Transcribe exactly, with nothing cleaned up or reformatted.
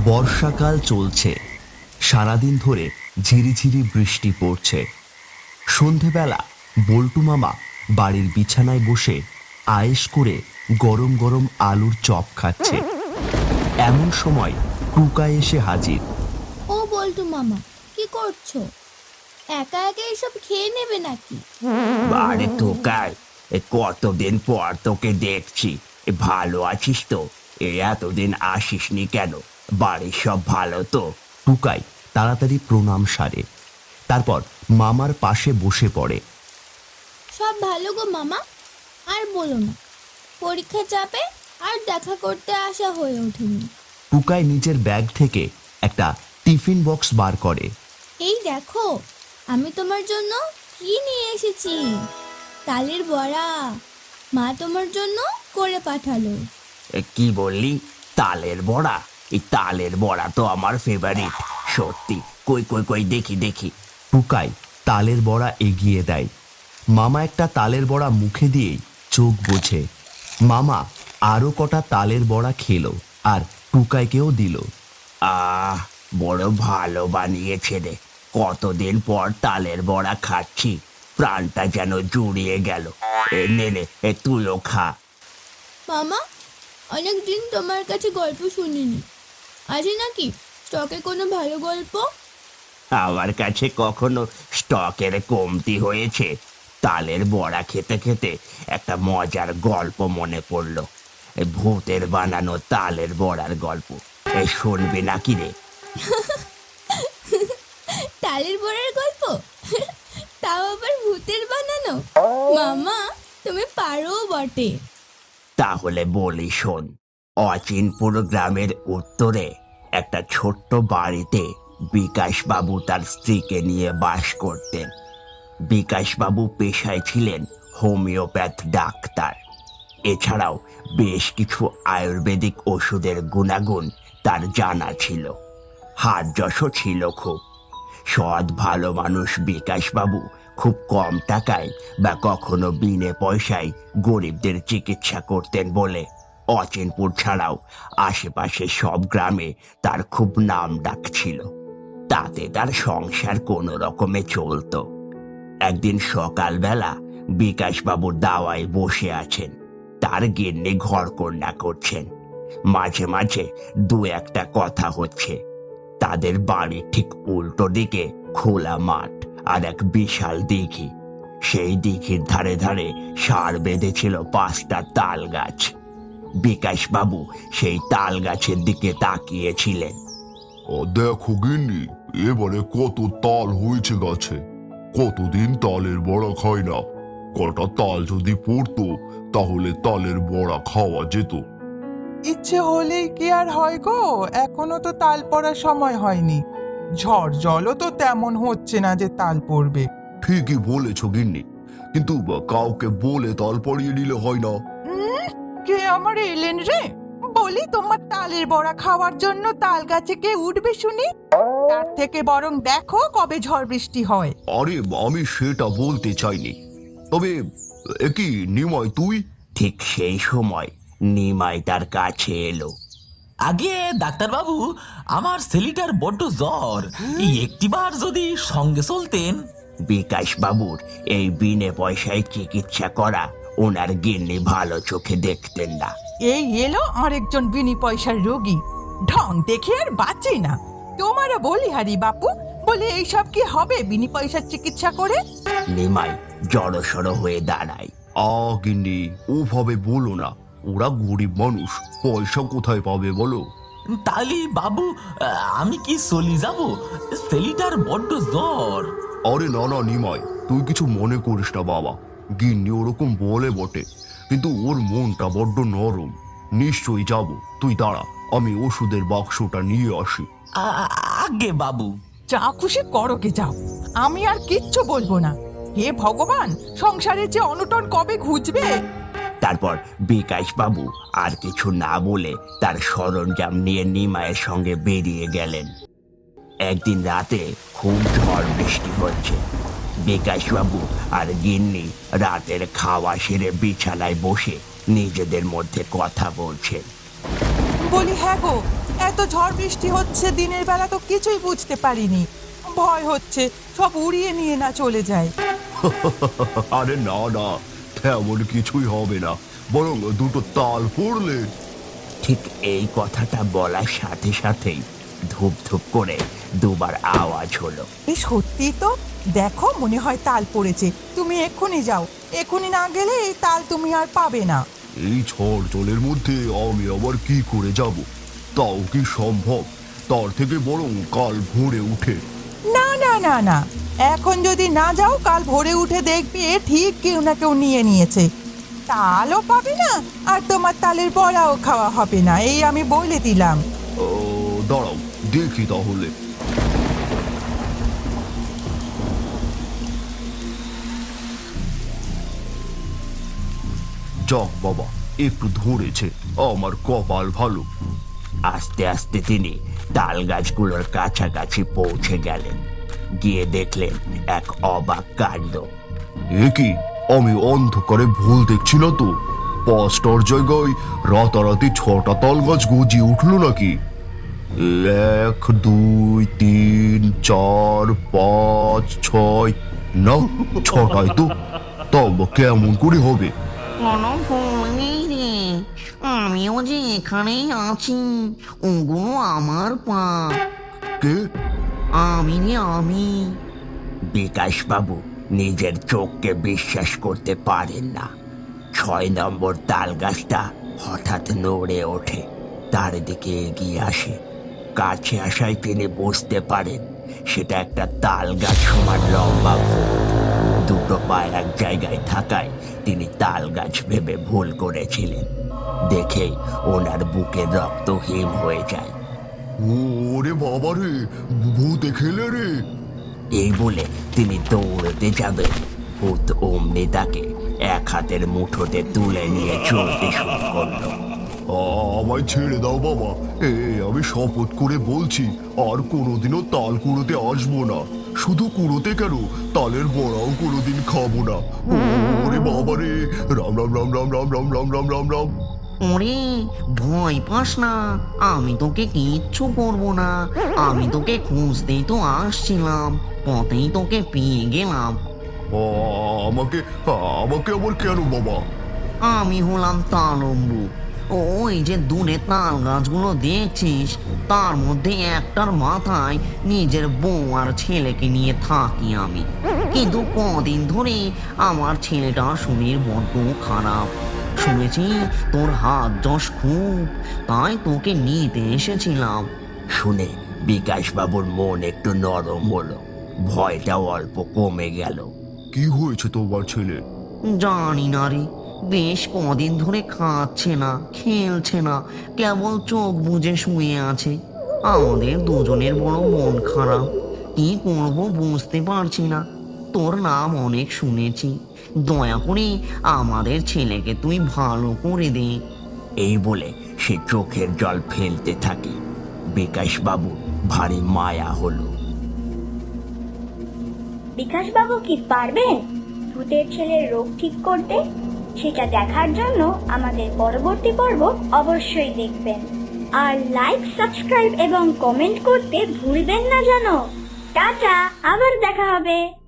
বর্ষাকাল চলছে, সারাদিন ধরে ঝিরিঝিরি বৃষ্টি পড়ছে। সন্ধেবেলা বল্টু মামা বাড়ির বিছানায় বসে আয়েশ করে গরম গরম আলুর চপ খাচ্ছে। এমন সময় টুকাই এসে হাজির। ও বল্টু মামা, কি করছো? একা একা এসব খেয়ে নেবে নাকি? আরে টুকাই, কতদিন পর তোকে দেখছি। ভালো আছিস তো? এতদিন আসিসনি কেন? বাড়ির সব ভালো তো? টুকাই তাড়াতাড়ি প্রণাম সারে, তারপর মামার পাশে বসে পড়ে। সব ভালো গো মামা, আর বলো না, পরীক্ষা চাপে আর দেখা করতে আসা হয়ে ওঠেনি। টুকাই নিজের ব্যাগ থেকে একটা টিফিন বক্স বার করে। এই দেখো, আমি তোমার জন্য কি নিয়ে এসেছি। তালের বড়া, মা তোমার জন্য করে পাঠালো। কি বললি? তালের বড়া? এই তালের বড়া তো আমার ফেভারিট। সত্যি? কই কই কই দেখি দেখি। টুকাই তালের বড়া এগিয়ে দেয়। মামা একটা তালের বড়া মুখে দিয়েই চোখ বোঝে। মামা আরো কটা তালের বড়া খেলো আর টুকাইকেও দিল। আহ, বড় ভালো বানিয়েছে রে। কতদিন পর তালের বড়া খাচ্ছি, প্রাণটা যেন জুড়িয়ে গেল। এ নে নে, এ তুইও খা। মামা, অনেকদিন তোমার কাছে গল্প শুনিনি, আছে নাকি স্টকে কোনো ভালো গল্প? আমার কাছে কখনো স্টকের কমতি হয়েছে? তালের বড়া খেতে খেতে একটা মজার গল্প মনে পড়লো। এ ভূতের বানানো তালের বড়ার গল্প। এ শুনবি নাকি রে? তালের বড়ার গল্প? তাও আবার ভূতের বানানো? মামা, তুমি পারো বটে। তাহলে বলি শোন। অচিনপুর গ্রামের উত্তরে একটা ছোট্ট বাড়িতে বিকাশবাবু তার স্ত্রীকে নিয়ে বাস করতেন। বিকাশবাবু পেশায় ছিলেন হোমিওপ্যাথ ডাক্তার। এছাড়াও বেশ কিছু আয়ুর্বেদিক ওষুধের গুণাগুণ তার জানা ছিল। হাত যশও ছিল খুব। সৎ ভালো মানুষ বিকাশবাবু খুব কম টাকায় বা কখনো বিনে পয়সায় গরিবদের চিকিৎসা করতেন বলে অচিনপুর ছাড়াও আশেপাশে সব গ্রামে তার খুব নাম ডাক ছিল। তাতে তার সংসার কোনো রকমে চলতো। একদিন সকালবেলা বিকাশবাবুর দাওয়ায় বসে আছেন। তার গিন্নি ঘরকন্না করছেন। মাঝে মাঝে দু একটা কথা হচ্ছে। তাদের বাড়ির ঠিক উল্টো দিকে খোলা মাঠ আর এক বিশাল দিঘি। সেই দিঘির ধারে ধারে সার বেঁধেছিল পাঁচটা তাল গাছ। বিকাশবাবু সেই তাল গাছের দিকে তাকিয়েছিলেন। ও দেখো গিন্নি, এবারে কত তাল হয়েছে গাছে। কতদিন তালের বড়া খাই না। কটা তাল যদি পড়তো তাহলে তালের বড়া খাওয়া যেত। ইচ্ছে হলেই কি আর হয় গো, এখনো তো তাল পড়ার সময় হয়নি। ঝড় জলও তো তেমন হচ্ছে না যে তাল পড়বে। ঠিকই বলেছ গিন্নি, কিন্তু কাউকে বলে তাল পড়িয়ে নিলে হয় না। উম, কে আমার এলেন রে? বলি, তোমার তালের বড়া খাওয়ার জন্য তাল গাছে কে উঠবে শুনি? তার থেকে বরং দেখো কবে ঝড় বৃষ্টি হয়। আরে আমি সেটা বলতে চাইনি, তবে একই নিময় তুই। ঠিক সেই সময় নিমাই তার কাছে এলো। আগে ডাক্তারবাবু, আমার ছেলেটার বড্ড জ্বর, এই একটিবার যদি সঙ্গে চলতেন। বিকাশবাবুর এই বিনে পয়সায় চিকিৎসা করা ওনার গিন্নি ভালো চোখে দেখতেন না। এই এলো আরেকজন বিনি পয়সার রোগী, ঢং দেখে আর বাঁচে না। তোমারও বলি হারি বাপু, বলে এইসব কি হবে বিনি পয়সার চিকিৎসা করে? নিমাই জড়সড় হয়ে দাঁড়ায়। আ গিন্নি, ওভাবে বলো না। ওরা গরিব মানুষ, পয়সা কোথায় পাবে বলো? তাহলে বাবু, আমি কি চলি যাব? ছেলেটার বড্ড জ্বর। আরে না না নিমাই, তুই কিছু মনে করিস না বাবা। গিন্নি ওরকম বলে বটে, কিন্তু ওর মনটা বড্ড নরম। নিশ্চয়ই যাব, তুই দাঁড়া, আমি ওষুধের বাক্সটা নিয়ে আসি। আগে বাবু। যা খুশি করো গে যাও, আমি আর কিচ্ছু বলবো না। হে ভগবান, সংসারে যে অনটন কবে ঘুচবে। তারপর বিকাশবাবু আর কিছু না বলে তার সরঞ্জাম নিয়ে নিমাইয়ের সঙ্গে বেরিয়ে গেলেন। একদিন রাতে খুব ঝড় বৃষ্টি হচ্ছে। বিকাশবাবু আর গিন্নি রাতের খাওয়া সেরে বিছানায় বসে নিজেদের মধ্যে কথা বলছেন। বলি হ্যাঁ গো, এত ঝড় বৃষ্টি হচ্ছে দিনের বেলা তো কিছুই বুঝতে পারিনি। ভয় হচ্ছে সব উড়িয়ে নিয়ে না চলে যায়। আরে না না, তেমন কিছুই হবে না, বরং দুটো তাল পড়লে। ঠিক এই কথাটা বলার সাথে সাথেই ধূপ ধূপ করে দুবার আওয়াজ হলো। এই সত্যি তো, দেখো মনে হয় তাল পড়েছে। তুমি এক্ষুনি যাও, এক্ষুনি না গেলে এই তাল তুমি আর পাবে না। এই ঝড় জলের মধ্যে আমি আবার কি করে যাব? তাও কি সম্ভব? তার থেকে বরং কাল ভোরে উঠে। না না না না, এখন যদি না যাও কাল ভোরে উঠে দেখবে ঠিক কেউ না কেউ নিয়ে নিয়েছে। তালও পাবে না আর তোমার তালের বড়াও খাওয়া হবে না, এই আমি বলে দিলাম। ও, দাঁড়াও দেখি তাহলে। যাক বাবা, একটু ধরেছে, আমার কপাল ভালো। আস্তে আস্তে তিনি তাল গাছগুলোর কাছাকাছি পৌঁছে গেলেন। গিয়ে দেখলেন এক অবাক কাণ্ড। এ কি, আমি অন্ধকারে ভুল দেখছি না তো? পাঁচটার জায়গায় রাতারাতি ছটা তাল গাছ গজিয়ে উঠলো নাকি? এক দুই তিন চার পাঁচ ছয়, না ছটায় তো। তাও বা কেমন করে হবে? কোনো ভুল নেই রে, আমিও যে এখানেই আছি, ওগুলো আমার পা। কে? আমি রে আমি। বিকাশবাবু নিজের চোখকে বিশ্বাস করতে পারেন না। ছয় নম্বর তাল গাছটা হঠাৎ নড়ে ওঠে, তার দিকে এগিয়ে আসে। কাছে আসায় তিনি বুঝতে পারেন সেটা একটা তাল গাছ সমান লম্বা ভূত। দুটো পা এক জায়গায় থাকায় তিনি তাল গাছ ভেবে ভুল করেছিলেন। দেখেই ওনার বুকে রক্ত হিম হয়ে যায়। ওরে বাবা রে, ভূতে খেলে রে। এই বলে তিনি দৌড়তে যাবেন, ভূত অমনি তাকে এক হাতের মুঠোতে তুলে নিয়ে চলতে শুরু করলো। আমায় ছেড়ে দাও বাবা, এ আমি শপথ করে বলছি আর কোনোদিনও তাল কুড়োতে আসবো না। শুধু কুড়োতে কেন, তালের বড়াও কোনোদিন খাবো না। ওরে বাবা রে, রাম রাম রাম রাম রাম রাম রাম রাম রাম রাম। ওরে ভয় পাস না, আমি তোকে কিচ্ছু করবো না। আমি তোকে খুঁজতেই তো আসছিলাম, পথেই তোকে পেয়ে গেলাম। আ, আমাকে আমাকে আবার কেন বাবা? আমি হলাম তালম্বু। ওই যে দূরে তাল গাছগুলো দেখছিস, তার মধ্যে একটার মাথায় নিজের বউ আর ছেলেকে নিয়ে থাকি আমি। কিন্তু কদিন ধরে আমার ছেলেটার শরীর বড্ড খারাপ। শুনেছি তোর হাত যশ খুব, তাই তোকে নিতে এসেছিলাম। শুনে বিকাশবাবুর মন একটু নরম হলো, ভয়টাও অল্প কমে গেল। কি হয়েছে তোমার ছেলে? জানি না রে, বেশ কদিন ধরে খাচ্ছে না, খেলছে না, কেবল চোখ বুজে শুয়ে আছে। আমাদের দুজনের বড় মন খারাপ, কি করবো বুঝতে পারছি না। তোর নাম অনেক শুনেছি, দয়া করে আমাদের ছেলেকে তুই ভালো করে দে। এই বলে সে চোখের জল ফেলতে থাকে। বিকাশবাবু ভারী মায়া হলো। বিকাশবাবু কি পারবেন ভূতের ছেলের রোগ ঠিক করতে? সেটা দেখার জন্য আমাদের পরবর্তী পর্ব অবশ্যই দেখবেন। আর লাইক, সাবস্ক্রাইব এবং কমেন্ট করতে ভুলবেন না যেন। টাটা, আবার দেখা হবে।